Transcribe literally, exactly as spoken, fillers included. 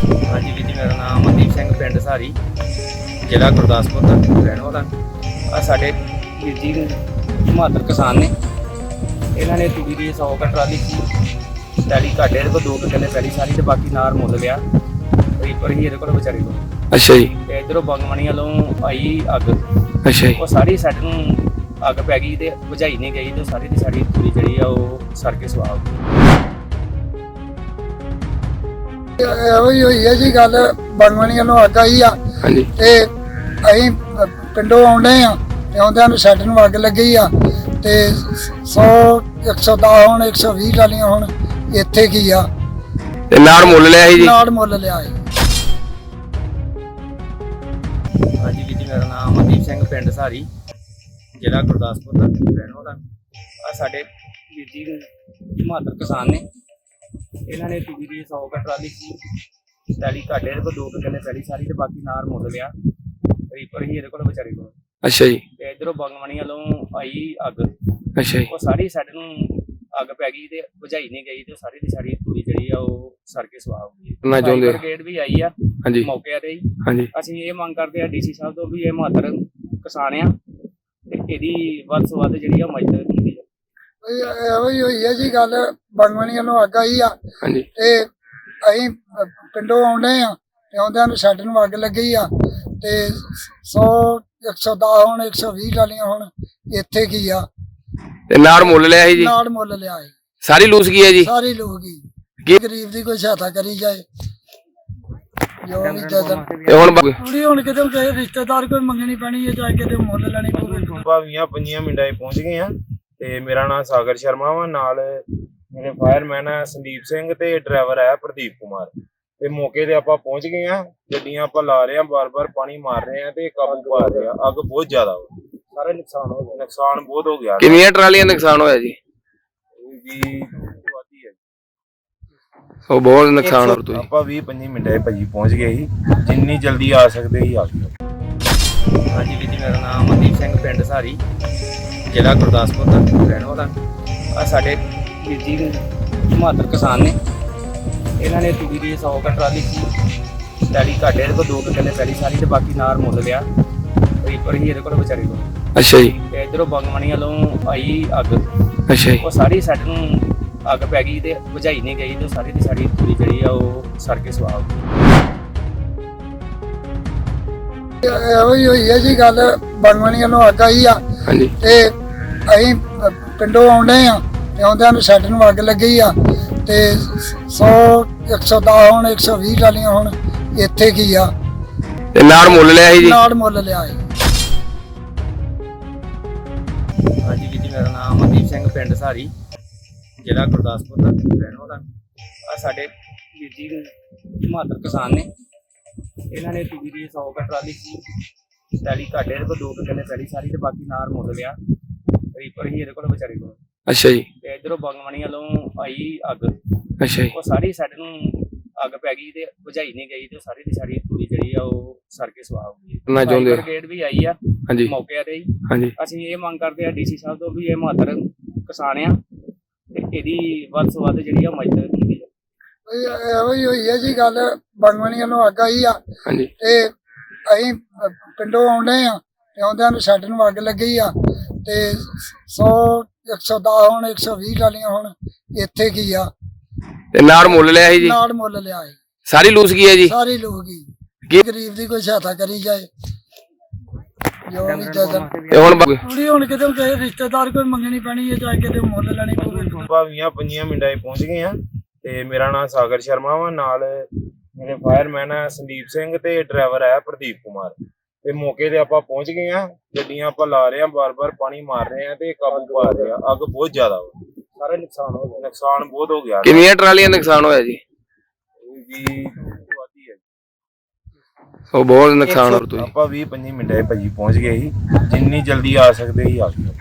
हाँ जी वीर जी, मेरा नाम अमनदीप सिंह, पिंड सारी, जिला गुरदासपुर का रहने वाला। आ साडे वीर जी हिमाचल किसान ने, इन्होंने तूड़ी की सौ का ट्राली पैली घाटे को दो किले पैली सारी, तो बाकी नार मुल लिया रीपर ही ये बेचारे को। अच्छा जी। ते इधरों बंगमणी वालों आई अग, अच्छा जी। वो सारी साइड नूं अग पै गई ते बुझाई नहीं गई, तो सारी की सारी तूड़ी जी सड़ के सुहा हो गई। ਇਹੋ ਹੀ ਹੋਈ ਹੈ ਜੀ ਗੱਲ। ਬੰਗਮਣੀਆਂ ਨੂੰ ਅੱਗ ਆਈ ਆ ਹਾਂਜੀ ਤੇ ਅਸੀਂ ਪਿੰਡੋਂ ਆਉਂਦੇ ਆ ਤੇ ਆਉਂਦਿਆਂ ਨੂੰ ਸੈੱਟ ਨੂੰ ਅੱਗ ਲੱਗੀ ਆ ਤੇ ਸੌ ਇੱਕ ਸੌ ਦਸ ਹੁਣ ਇੱਕ ਸੌ ਵੀਹ ਟਾਲੀਆਂ ਹੁਣ ਇੱਥੇ ਕੀ ਆ ਤੇ ਨਾੜ ਮੁੱਲ ਲਿਆ ਸੀ ਜੀ। ਨਾੜ ਮੁੱਲ ਲਿਆ ਸੀ। हाँ जी वीर जी, मेरा नाम अमनदीप सिंह, पिंड सारी, जिला गुरदासपुर का रहने वाला। आ साडे वीर जी हिमाचल किसान ने, इन्होंने तूड़ी की सौ का ट्राली पैली घाटे को दो किले पैली सारी, तो बाकी नार मुल लिया रीपर ही ये बेचारे को। अच्छा जी। ते इधरों बंगमणी वालों आई अग, अच्छा जी। वो सारी साइड नूं अग पै गई ते बुझाई नहीं गई, तो सारी की सारी तूड़ी जी सड़ के सुहा हो गई। ना चाਹੁੰਦੇ ब्रिगेड भी आई आ ਹਾਂਜੀ मौके ते ही। ਹਾਂਜੀ। ਅਸੀਂ ਇਹ ਮੰਗ ਕਰਦੇ ਆ ਡੀਸੀ ਸਾਹਿਬ ਤੋਂ ਵੀ ਇਹ ਮਹੱਤਰ ਕਿਸਾਨ ਆ ਤੇ ਇਹਦੀ ਵੱਧ ਤੋਂ ਵੱਧ ਜਿਹੜੀ ਆ ਮਦਦ ਕੀਤੀ ਜਾਵੇ। ਇਹੋ ਹੀ ਹੋਈ ਹੈ ਜੀ ਗੱਲ। ਬੰਗਮਣੀਆਂ ਨੂੰ ਅੱਗ ਆਈ ਆ ਹਾਂਜੀ ਤੇ ਅਸੀਂ ਪਿੰਡੋਂ ਆਉਂਦੇ ਆ ਤੇ ਆਉਂਦਿਆਂ ਨੂੰ ਸੈੱਟ ਨੂੰ ਅੱਗ ਲੱਗੀ ਆ ਤੇ ਸੌ ਇੱਕ ਸੌ ਦਸ ਹੁਣ ਇੱਕ ਸੌ ਵੀਹ ਟਾਲੀਆਂ ਹੁਣ ਇੱਥੇ ਕੀ ਆ ਤੇ ਨਾੜ ਮੁੱਲ ਲਿਆ ਸੀ ਜੀ। ਨਾੜ ਮੁੱਲ ਲਿਆ ਸੀ। ਸਾਰੀ ਲੂਸ ਗਈ ਹੈ ਜੀ। ਸਾਰੇ ਲੋਕ ਹੀ ਕੀ ਗਰੀਬ ਦੀ ਕੋਈ ਸਹਾਇਤਾ ਕਰੀ ਜਾਏ ਜੋ ਵੀ ਜਦਨ ਤੇ ਹੁਣ ਬ- ਥੋੜੀ ਹੁਣ ਕਿਤੇ ਕਿਸੇ ਰਿਸ਼ਤੇਦਾਰ ਕੋਈ ਮੰਗਣੀ ਪੈਣੀ ਹੈ ਜਾਂ ਕਿਤੇ ਮੁੱਲ ਲੈਣੀ ਪਵੇ। ਭਾਵੀਆਂ ਪੰਜੀਆਂ ਮਿੰਟਾਂ 'ਚ ਪਹੁੰਚ ਗਏ ਆ ਤੇ ਮੇਰਾ ਨਾਮ ਸਾਗਰ ਸ਼ਰਮਾ ਵਾ, ਨਾਲ ਮੇਰੇ ਫਾਇਰਮੈਨ ਆ ਸੰਦੀਪ ਸਿੰਘ ਤੇ ਡਰਾਈਵਰ ਆ ਪ੍ਰਦੀਪ ਕੁਮਾਰ। ਤੇ ਮੌਕੇ ਤੇ ਆਪਾਂ ਪਹੁੰਚ ਗਏ ਆ, ਗੱਡੀਆਂ ਆਪਾਂ ਲਾ ਰਹੇ ਆ, ਬਾਰ-ਬਾਰ ਪਾਣੀ ਮਾਰ ਰਹੇ ਆ ਤੇ ਕਾਬੂ ਪਾ ਰਹੇ ਆ। ਅੱਗ ਬਹੁਤ ਜ਼ਿਆਦਾ ਵਾ, ਸਾਰਾ ਨੁਕਸਾਨ ਹੋ ਗਿਆ। ਨੁਕਸਾਨ ਬਹੁਤ ਹੋ ਗਿਆ ਕਿੰਨੀਆਂ ਟਰਾਲੀਆਂ ਨੁਕਸਾਨ ਹੋਇਆ ਜੀ? ਜੀ ਵਾਦੀ ਹੈ। ਉਹ ਬਹੁਤ ਨੁਕਸਾਨ ਹੋ ਰਿਹਾ। ਆਪਾਂ ਵੀਹ ਪੰਜੀ ਮਿੰਟਾਂ 'ਚ ਭਾਜੀ ਪਹੁੰਚ ਗਏ ਸੀ, ਜਿੰਨੀ ਜਲਦੀ ਆ ਸਕਦੇ ਸੀ ਆ ਗਏ। हाँ जी वीर जी, मेरा नाम अमनदीप सिंह, पिंड सारी, जिला गुरदासपुर का रहने वाला। आ साडे वीर जी हिमाचल किसान ने, इन्होंने तूड़ी की सौ का ट्राली पैली घाटे को दो किले पैली सारी, तो बाकी नार मुल लिया रीपर ही ये बेचारे को। ਅੱਛਾ ਜੀ। ਤੇ ਇਧਰੋਂ ਬੰਗਮਣੀ ਵਾਲੋਂ ਆਈ ਅੱਗ, ਅੱਛਾ ਜੀ। ਉਹ ਸਾਰੀ ਸਾਈਡ ਨੂੰ ਅੱਗ ਪੈ ਗਈ ਤੇ ਬੁਝਾਈ ਨਹੀਂ ਗਈ, ਤੇ ਸਾਰੀ ਦੀ ਸਾਰੀ ਤੂੜੀ ਜਿਹੜੀ ਆ ਉਹ ਸੜ ਕੇ ਸੁਆਹ ਹੋ ਗਈ। ਇਹੋ ਹੀ ਹੋਈ ਹੈ ਜੀ ਗੱਲ। ਬੰਗਮਣੀਆਂ ਨੂੰ ਅੱਗ ਆਈ ਆ ਹਾਂਜੀ ਤੇ ਅਸੀਂ ਪਿੰਡੋਂ ਆਉਂਦੇ ਆ ਤੇ ਆਉਂਦਿਆਂ ਨੂੰ ਸੈੱਟ ਨੂੰ ਅੱਗ ਲੱਗੀ ਆ ਤੇ ਸੌ ਇੱਕ ਸੌ ਦਸ ਹੁਣ ਇੱਕ ਸੌ ਵੀਹ ਟਾਲੀਆਂ ਹੁਣ ਇੱਥੇ ਕੀ ਆ ਤੇ ਨਾੜ ਮੁੱਲ ਲਿਆ ਸੀ ਜੀ। ਨਾੜ ਮੁੱਲ ਲਿਆ ਸੀ। हाँ जी वीर जी, मेरा नाम अमनदीप सिंह, पिंड सारी, जिला गुरदासपुर का रहने वाला। आ साडे वीर जी हिमाचल किसान ने, इन्होंने तूड़ी की सौ का ट्राली पैली घाटे को दो किले पैली सारी, तो बाकी नार मुल लिया रीपर ही ये बेचारे को। ਅੱਛਾ ਜੀ। ਤੇ ਇਧਰੋਂ ਬੰਗਮਣੀ ਵਾਲੋਂ ਆਈ ਅੱਗ, ਅੱਛਾ ਜੀ। ਉਹ ਸਾਰੀ ਸਾਈਡ ਨੂੰ ਅੱਗ ਪੈ ਗਈ ਤੇ ਬੁਝਾਈ ਨਹੀਂ ਗਈ, ਤੇ ਸਾਰੀ ਦੀ ਸਾਰੀ ਤੂੜੀ ਜਿਹੜੀ ਆ ਉਹ ਸੜ ਕੇ ਸੁਆਹ ਹੋ ਗਈ। ਨਾ ਚਾਹੁੰਦੇ ਬ੍ਰਿਗੇਡ ਵੀ ਆਈ ਆ ਹਾਂਜੀ ਮੌਕੇ ਤੇ ਹੀ। ਹਾਂਜੀ। ਅਸੀਂ ਇਹ ਮੰਗ ਕਰਦੇ ਆ ਡੀਸੀ ਸਾਹਿਬ ਤੋਂ ਵੀ ਇਹ ਮਹੱਤਰ ਕਿਸਾਨ ਆ ਤੇ ਇਹਦੀ ਵੱਧ ਤੋਂ ਵੱਧ ਜਿਹੜੀ ਆ ਮਦਦ ਕੀਤੀ ਜਾਵੇ। ਇਹੋ ਹੀ ਹੋਈ ਹੈ ਜੀ ਗੱਲ। ਬੰਗਮਣੀਆਂ ਨੂੰ ਅੱਗ ਆਈ ਆ ਹਾਂਜੀ ਤੇ ਅਸੀਂ ਪਿੰਡੋਂ ਆਉਂਦੇ ਆ ਤੇ ਆਉਂਦਿਆਂ ਨੂੰ ਸੈੱਟ ਨੂੰ ਅੱਗ ਲੱਗੀ ਆ ਤੇ ਸੌ ਇੱਕ ਸੌ ਦਸ ਹੁਣ ਇੱਕ ਸੌ ਵੀਹ ਟਾਲੀਆਂ ਹੁਣ ਇੱਥੇ ਕੀ ਆ ਤੇ ਨਾੜ ਮੁੱਲ ਲਿਆ ਸੀ ਜੀ। ਨਾੜ ਮੁੱਲ ਲਿਆ ਸੀ। ਸਾਰੀ ਲੂਸ ਗਈ ਹੈ ਜੀ। ਸਾਰੇ ਲੋਕ ਹੀ ਕੀ ਗਰੀਬ ਦੀ ਕੋਈ ਸਹਾਇਤਾ ਕਰੀ ਜਾਏ ਜੋ ਵੀ ਜਦਨ ਤੇ ਹੁਣ ਬ- ਥੋੜੀ ਹੁਣ ਕਿਤੇ ਕਿਸੇ ਰਿਸ਼ਤੇਦਾਰ ਕੋਈ ਮੰਗਣੀ ਪੈਣੀ ਹੈ ਜਾਂ ਕਿਤੇ ਮੁੱਲ ਲੈਣੀ ਪਵੇ। ਭਾਵੀਆਂ ਪੰਜੀਆਂ ਮਿੰਟਾਂ 'ਚ ਪਹੁੰਚ ਗਏ ਆ ਤੇ ਮੇਰਾ ਨਾਮ ਸਾਗਰ ਸ਼ਰਮਾ ਵਾ, ਨਾਲ ਮੇਰੇ ਫਾਇਰਮੈਨ ਆ ਸੰਦੀਪ ਸਿੰਘ ਤੇ ਡਰਾਈਵਰ ਆ ਪ੍ਰਦੀਪ ਕੁਮਾਰ। ਤੇ ਮੌਕੇ ਤੇ ਆਪਾਂ ਪਹੁੰਚ ਗਏ ਆ, ਗੱਡੀਆਂ ਆਪਾਂ ਲਾ ਰਹੇ ਆ, ਬਾਰ-ਬਾਰ ਪਾਣੀ ਮਾਰ ਰਹੇ ਆ ਤੇ ਕਾਬੂ ਪਾ ਰਹੇ ਆ। ਅੱਗ ਬਹੁਤ ਜ਼ਿਆਦਾ ਵਾ, ਸਾਰਾ ਨੁਕਸਾਨ ਹੋ ਗਿਆ। ਨੁਕਸਾਨ ਬਹੁਤ ਹੋ ਗਿਆ ਕਿੰਨੀਆਂ ਟਰਾਲੀਆਂ ਨੁਕਸਾਨ ਹੋਇਆ ਜੀ? ਜੀ ਵਾਦੀ ਹੈ। ਉਹ ਬਹੁਤ ਨੁਕਸਾਨ ਹੋ ਰਿਹਾ। ਆਪਾਂ ਵੀਹ ਪੰਜੀ ਮਿੰਟਾਂ 'ਚ ਭਾਜੀ ਪਹੁੰਚ ਗਏ ਸੀ, ਜਿੰਨੀ ਜਲਦੀ ਆ ਸਕਦੇ ਸੀ ਆ ਗਏ।